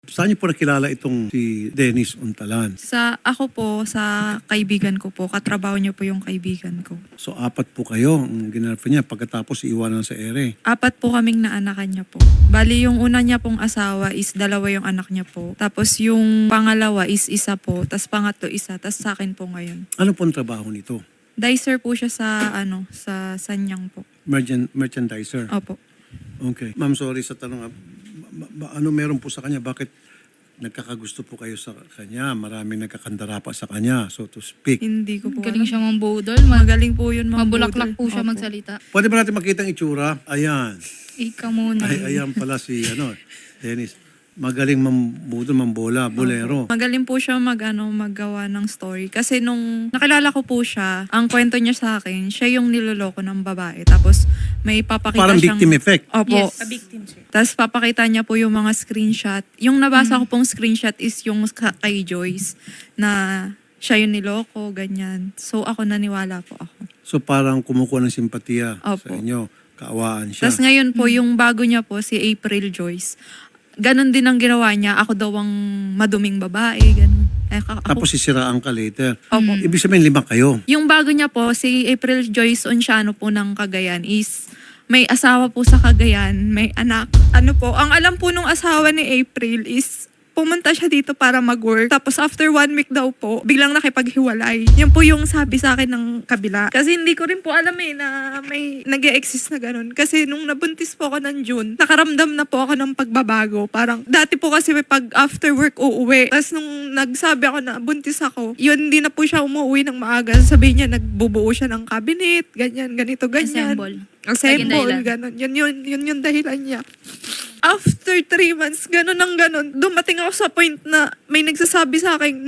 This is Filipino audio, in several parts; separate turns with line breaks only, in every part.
Saan niyo po nakilala itong si Dennis Untalan?
Ako po, sa kaibigan ko po. Katrabaho niya po yung kaibigan ko.
So, 4 po kayo ang ginarapin niya pagkatapos iiwanan sa ere.
4 po kaming naanakan niya po. Bali, yung una niya pong asawa is 2 yung anak niya po. Tapos yung pangalawa is 1 po. Tapos pangatlo 1. Tapos sa akin po ngayon.
Ano po ang trabaho nito?
Dicer po siya sa Sanyang po.
Merchandiser?
Opo.
Okay. Ma'am, sorry sa tanong. Ano meron po sa kanya? Bakit nagkakagusto po kayo sa kanya? Maraming nagkakandara pa sa kanya, so to speak.
Hindi ko po
Galing
alam.
siya mambudol.
Magaling po yun
Mabulaklak po siya
Opo.
magsalita.
Pwede ba natin makita ang itsura? Ayan.
Ika muna.
Ayan pala si Dennis. Magaling mambola, bolero.
Magaling po siya maggawa ng story. Kasi nung nakilala ko po siya, ang kwento niya sa akin, siya yung niloloko ng babae. Tapos may papakita
Parang
siyang...
victim effect.
Opo.
Yes, a victim siya.
Tapos papakita niya po yung mga screenshot. Yung nabasa ko pong screenshot is yung kay Joyce na siya yung niloko, ganyan. So ako naniwala po ako.
So parang kumukuha ng simpatiya sa
Opo.
inyo. Kaawaan siya.
Tapos ngayon po, yung bago niya po, si April Joyce, ganon din ang ginawa niya. Ako daw ang maduming babae, ganon.
Tapos sisiraan ka later.
Opo.
Ibig sabihin 5 kayo.
Yung bago niya po, si April Joyce Onciano po ng Cagayan is may asawa po sa Cagayan, may anak. Ano po, ang alam po nung asawa ni April is pumunta siya dito para mag-work. Tapos after 1 week daw po, biglang nakipaghiwalay. Yan po yung sabi sa akin ng kabila. Kasi hindi ko rin po alam na may nag-e-exist na ganun. Kasi nung nabuntis po ako ng June, nakaramdam na po ako ng pagbabago. Parang dati po kasi may pag after work uuwi. Tapos nung nagsabi ako na buntis ako, yun hindi na po siya umuwi ng maaga. Sabihin niya, nagbubuo siya ng cabinet, ganyan, ganito, ganyan. Assemble, gano'n. Yun yung dahilan niya. After 3 months, gano'n, dumating ako sa point na may nagsasabi sa akin,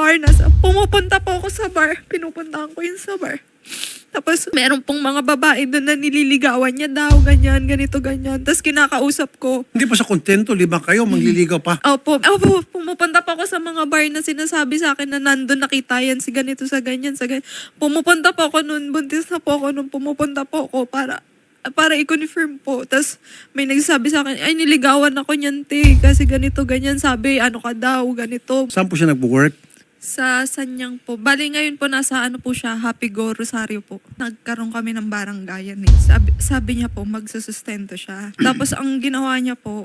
pumupunta po ako sa bar. Pinupuntahan ko yun sa bar. Tapos, meron pong mga babae doon na nililigawan niya daw, ganyan, ganito, ganyan. Tapos kinakausap ko.
Hindi pa sa kontento, 5 kayo, magliligaw pa.
Opo, pumupunta pa ako sa mga bar na sinasabi sa akin na nandun nakita yan si ganito sa ganyan, sa ganyan. Pumupunta po ako noon, buntis na po ako noon, pumupunta po ako para i-confirm po. Tapos may nagsasabi sa akin, ay niligawan ako niyan te, kasi ganito, ganyan. Sabi, ano ka daw, ganito.
Saan po siya nag-work?
Sa Sanyang po. Bali ngayon po nasa po siya, Happy Go Rosario po. Nagkaroon kami ng baranggayan eh. Sabi niya po, magsusustento siya. Tapos ang ginawa niya po,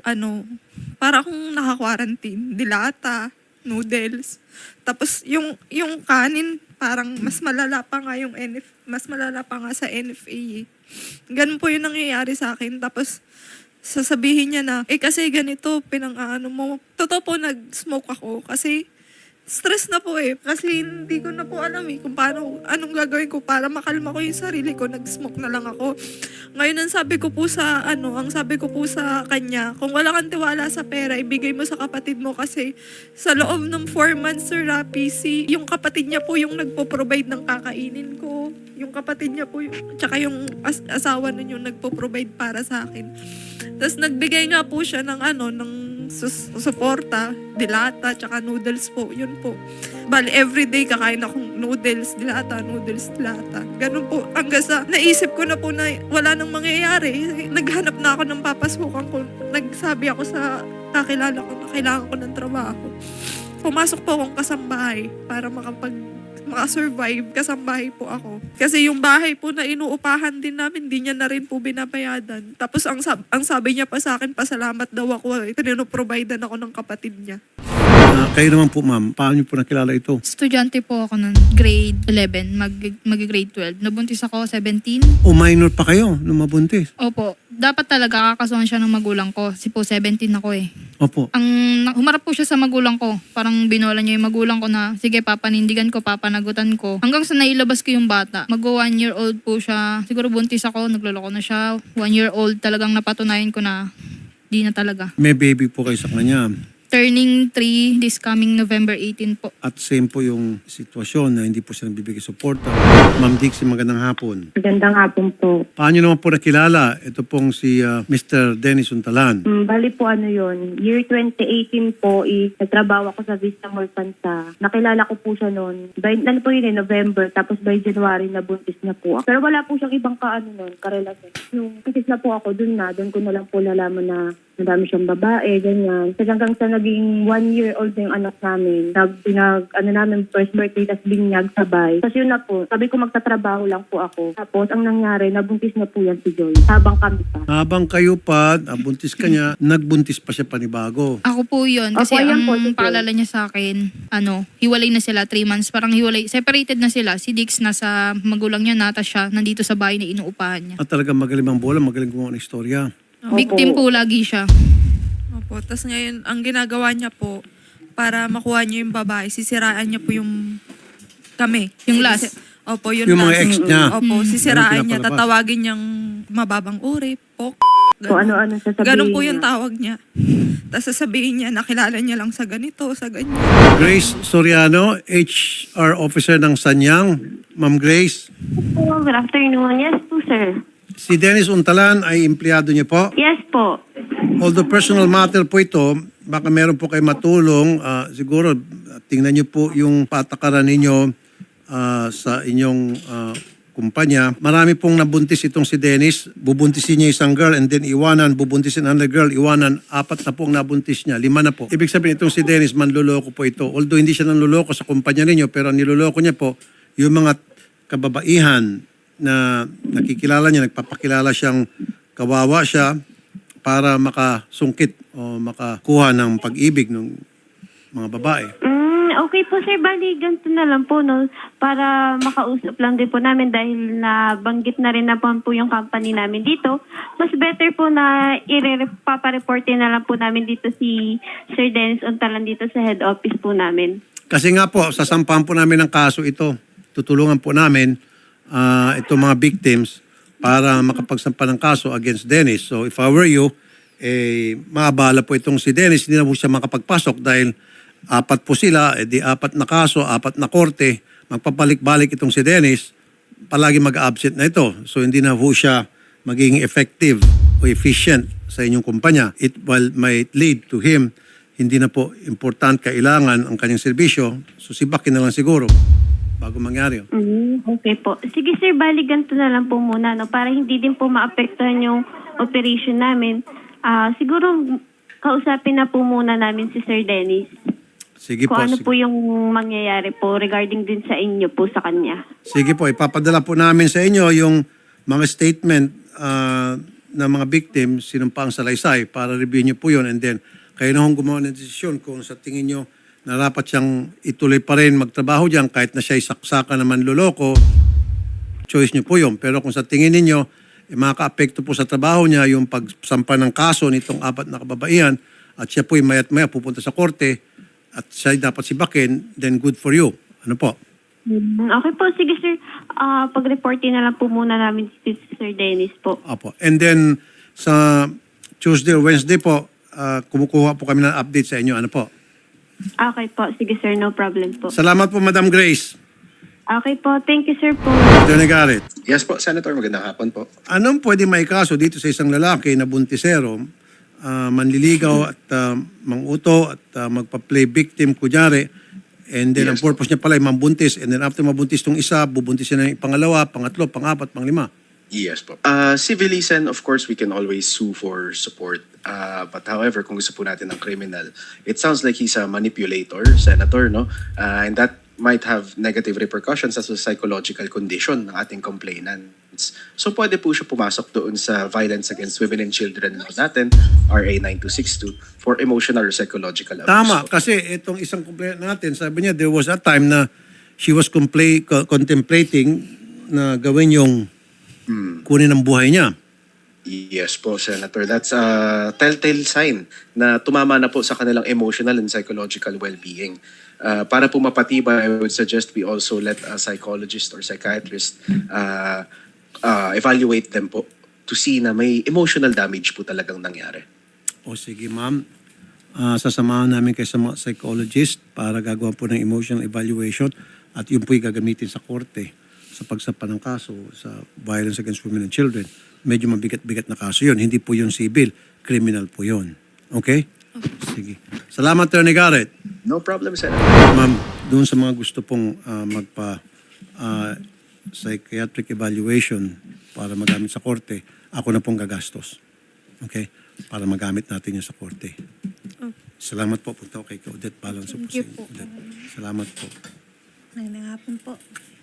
para akong naka-quarantine. Dilata, noodles. Tapos yung kanin, parang mas malala pa nga sa NFA eh. Ganun po yung nangyayari sa akin. Tapos sasabihin niya na, kasi ganito, mo. Totoo po, nag-smoke ako kasi stress na po eh. Kasi hindi ko na po alam eh kung anong gagawin ko para makalma ko yung sarili ko. Nag-smoke na lang ako. Ngayon ang sabi ko po sa kanya, kung wala kang tiwala sa pera, ibigay mo sa kapatid mo kasi sa loob ng 4 months, Sir Rapi, yung kapatid niya po yung nagpo-provide ng kakainin ko. Yung kapatid niya po, tsaka yung asawa nun yung nagpo-provide para sa akin. Tapos nagbigay nga po siya ng suporta, dilata, tsaka noodles po. Yun po. Bali, everyday kakain akong noodles, dilata. Ganun po. Hanggang sa naisip ko na po na wala nang mangyayari. Naghanap na ako ng papasukan ko. Nagsabi ako sa kakilala ko na kailangan ko ng trabaho. Pumasok po akong kasambahay para makasurvive, kasambahay po ako. Kasi yung bahay po na inuupahan din namin, di niya na rin po binabayadan. Tapos ang sabi niya pa sa akin, pasalamat daw ako. Pinino-providean ako ng kapatid niya.
Kayo naman po, ma'am. Paano niyo po nakilala ito?
Estudyante po ako nun. Grade 11, mag-grade 12. Nabuntis ako 17.
O minor pa kayo nung mabuntis?
Opo. Dapat talaga kakasuhan siya ng magulang ko. Kasi po 17 ako eh.
Opo.
Humarap po siya sa magulang ko. Parang binola niya yung magulang ko na, sige papanindigan ko, papanagutan ko. Hanggang sa nailabas ko yung bata. Mag-1 year old po siya. Siguro buntis ako, nagloloko na siya. 1 year old talagang napatunayan ko na di na talaga.
May baby po kayo sa kanya.
Turning 3 this coming November 18 po.
At same po yung sitwasyon na hindi po siya nagbibigay suporta. Ma'am Dixie, magandang hapon.
Magandang hapon po.
Paano naman po nakilala? Ito pong si Mr. Dennis Untalan.
Bali po yun, year 2018 po, nagtrabaho ako sa Vista Mall Pansa. Nakilala ko po siya noon. November, tapos by January nabuntis na po ako. Pero wala po siyang ibang karelasyon. Nung pisis na po ako doon ko na lang po nalaman na madami siyang babae, ganyan. Kasi hanggang sa naging 1-year-old na yung anak namin, namin first birthday, tas binyag sabay. Tapos yun na po, sabi ko magtatrabaho lang po ako. Tapos ang nangyari, nabuntis na po yan si Joy, habang kami pa.
Habang kayo pa, buntis ka niya, nagbuntis pa siya panibago.
Ako po yun. Kasi
Opo, ayan
ang
po, sige.
paalala niya sa akin, hiwalay na sila, 3 months. Parang hiwalay, separated na sila. Si Dix nasa magulang niya na, tapos siya nandito sa bahay na inuupahan niya.
At talagang magaling ang bola, magaling gumawa ng istorya.
Victim po lagi siya.
Opo, tapos ngayon, ang ginagawa niya po, para makuha niya yung babae, sisiraan niya po yung kami.
Yung last.
Opo, yun
Yung mga
last.
ex niya.
Opo, sisiraan niya,
pinapalabas.
tatawagin niyang mababang uri,
Kung ano-ano sasabihin
Ganun po yung
niya.
tawag niya. Tapos sasabihin niya, nakilala niya lang sa ganito, sa ganyan.
Grace Soriano, HR Officer ng Sanyang. Ma'am Grace,
Good afternoon. Yes po, sir.
si Dennis Untalan ay empleyado niyo po.
Yes po.
Although personal matter po ito, baka meron po kayo matulong. Siguro, tingnan niyo po yung patakaran ninyo sa inyong kumpanya. Marami pong nabuntis itong si Dennis. Bubuntisin niya isang girl and then iwanan. Bubuntisin another girl, iwanan. 4 na pong nabuntis niya. 5 na po. Ibig sabihin itong si Dennis, manluloko po ito. Although hindi siya nanluloko sa kumpanya ninyo, pero ang niloloko niya po, yung mga kababaihan na nakikilala niya, nagpapakilala siyang kawawa siya para makasungkit o makakuha ng pag-ibig ng mga babae.
Okay po sir, bali ganito na lang po no, para makausap lang din po namin dahil nabanggit na rin na po yung company namin dito. Mas better po na papareportin na lang po namin dito si Sir Dennis Untalan dito sa head office po namin.
Kasi nga po, sasampahan po namin ng kaso ito. Tutulungan po namin itong mga victims para makapagsampa ng kaso against Dennis. So if I were you, maabala po itong si Dennis, hindi na po siya makapagpasok dahil 4 po sila, di 4 na kaso, 4 na korte, magpapalik-balik itong si Dennis, palagi mag-absent na ito. So hindi na po siya magiging effective o efficient sa inyong kumpanya. It might lead to him, hindi na po kailangan ang kanyang serbisyo, susibakin na lang siguro bago mangyari.
Okay po. Sige sir, bali ganito na lang po muna no, para hindi din po maapektuhan yung operation namin. Siguro kausapin na po muna namin si Sir Dennis.
Sige po.
Kung ano
Sige.
po yung mangyayari po regarding din sa inyo po sa kanya.
Sige po, ipapadala po namin sa inyo yung mga statement ng mga victim, sinumpaang salaysay para review niyo po yun and then kayo na hong gumawa ng desisyon kung sa tingin niyo na dapat siyang ituloy pa rin magtrabaho diyan kahit na siya isaksaka naman loloko, choice niyo po yun. Pero kung sa tingin niyo makaka-apekto po sa trabaho niya yung pagsampa ng kaso nitong 4 na kababaihan at siya po mayat-maya pupunta sa korte at siya dapat sibakin, then good for you. Ano po?
Okay po, sige sir. Pag-reportin na lang po muna namin si Sir Dennis po.
Apo. And then sa Tuesday or Wednesday po, kumukuha po kami ng update sa inyo. Ano po?
Okay po, sige sir, no problem po.
Salamat po, Madam Grace.
Okay po, thank you sir po.
Attorney Garrett,
Yes po, Senator. Magandang hapon po.
anong pwede may kaso dito sa isang lalaki na buntisero, manliligaw at manguto at magpa-play victim kunyari, and then ang
Yes.
purpose niya pala ay mambuntis, and then after mabuntis tong isa, bubuntisin na yung pangalawa, pangatlo, pangapat, panglima.
Yes po. Civilly, Sen, of course, we can always sue for support. But however, kung gusto po natin ng criminal, it sounds like he's a manipulator, Senator, no? And that might have negative repercussions as a psychological condition ng ating complainants. So pwede po siya pumasok doon sa Violence Against Women and Children natin, RA 9262, for emotional or psychological abuse.
Tama,
po.
kasi itong isang complaint natin, sabi niya, there was a time na she was contemplating na gawin yung kunin ang buhay niya.
Yes po, Senator. That's a telltale sign na tumama na po sa kanilang emotional and psychological well-being. Para po mapatibay, I would suggest we also let a psychologist or psychiatrist evaluate them po to see na may emotional damage po talagang nangyari.
O sige ma'am, sasamahan namin kayo sa mga psychologist para gagawa po ng emotional evaluation at yun po'y gagamitin sa korte sa pagsampa ng kaso sa Violence Against Women and Children. Medyo mabigat-bigat na kaso yun. Hindi po yun civil, criminal po yun. Okay? Sige. Salamat, Attorney Garrett.
No problem, Senator.
Ma'am, doon sa mga gusto pong psychiatric evaluation para magamit sa korte, ako na pong gagastos. Okay? para magamit natin yun sa korte.
Oh.
Salamat po. Punta ko kay Odette Balanso po
Thank you
sa inyo.
po.
Odette. Salamat po.
Magandang hapon po.